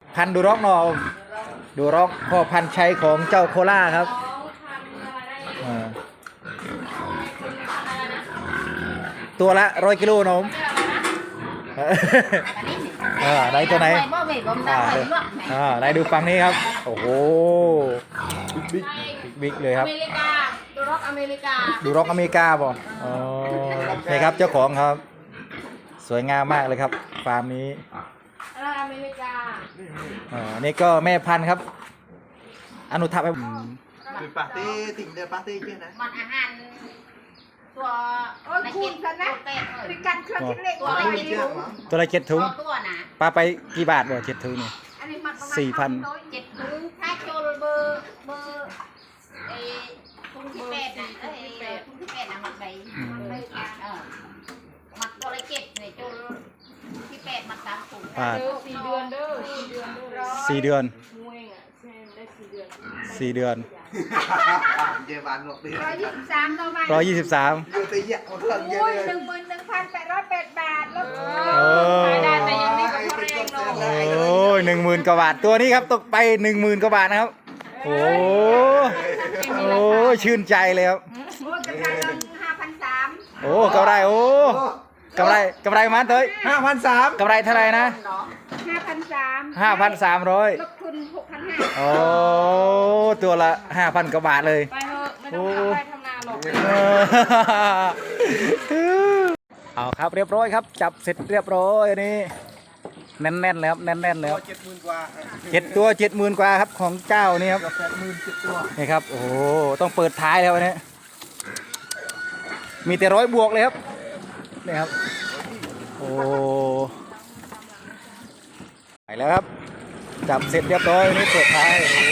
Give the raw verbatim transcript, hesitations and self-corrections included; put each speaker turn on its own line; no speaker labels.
พันธุ์ดูร็อกเนาะดูร็อกพ่อพันธุ์ชัยของเจ้าโคล่าครับอ่าตัวละร้อยกิโลนมเออไหนตัวไหนอ่าอ่าไหนดูฝั่งนี้ครับโอ้โหบิ๊กบิ๊กเลยครับ
อเมริกาดูร็อกอเมริกา
ดูร็อกอเมริกาบ่อ๋อนี่ครับเจ้าของครับ สวยงามมากเลยครับฟาร์มนี้
อะไรอเมริกา
อ่านี่ก็แม่พันธุ์ครับ อนุทับให้
từ party tỉnh từ party kia này
มันอาหารตัว
โอ้ยคุณซะนะเป็นการเครื่องคิดเลข
ตัว
ว่า
อะไร
อะไร
ไม่
ดี
รู้
ตัวละเจ็ดถุง
ตัวนะ
ปลาไปกี่บาทบ่เจ็ดถุงนี่
อันนี้มันประมาณ
สี่พัน
เจ็ดถุงถ้าโจลเบอร์เบอร์เอถุงที่แปดนะเอ้ยถุงที่แปดนะมันไปเออมักตัวละเจ็ดเนี่ยโจลที่แปดมักสามถุง
อ่า
สี่เดือนเด้อสี่เดือนเด้อ
สี่เดือน
มวยอ่ะเช่นได้สี่เดือน
สี่เดือน
về bán một tí
ร้อยยี่สิบสามเรามา
ร้อยยี่สิบสาม
vừa tới nhẹ một lần
โอ้ย
kia
หนึ่งหมื่นหนึ่งพันแปดร้อยแปดบาทแล้ว
โอ้
ขายได้แต่ยังไม่กับพ่อแรงเนาะ
โอ้ยหนึ่งหมื่นกว่าบาทตัวนี้ครับตกไปหนึ่งหมื่นกว่าบาทนะครับโอ้โอ้ชื่นใจเลยครับ
โอ้ยกำไรเราห้าพันสาม
โอ้กำไรโอ้กำไรกำไรมาเถอะ
ห้าพันสาม
กำไรเท่าไหร่นะ
ห้าพันสาม
ห้าพันสามร้อย
ลบทุนหกพันห้า
โอ้ตัวละห้าพันกว่าบาทเลย
ไปเถอะไม่ต้องทำไรทำนาหรอก
เอาครับเรียบร้อยครับ จับเสร็จเรียบร้อยอันนี้แน่นๆแล้วแน่นๆแล้ว
เจ็ดหมื่นกว่า
เจ็ดตัวเจ็ดหมื่นกว่าครับของเจ้านี่ครับ
กับแปดหมื่นเจ็ดตัว
นี่ครับโอ้โหต้องเปิดท้ายแล้ววันนี้มีแต่ร้อยบวกเลยครับนี่ครับโอ้ไปแล้วครับจับเสร็จเรียบร้อยนี่เปิดท้ายโอ้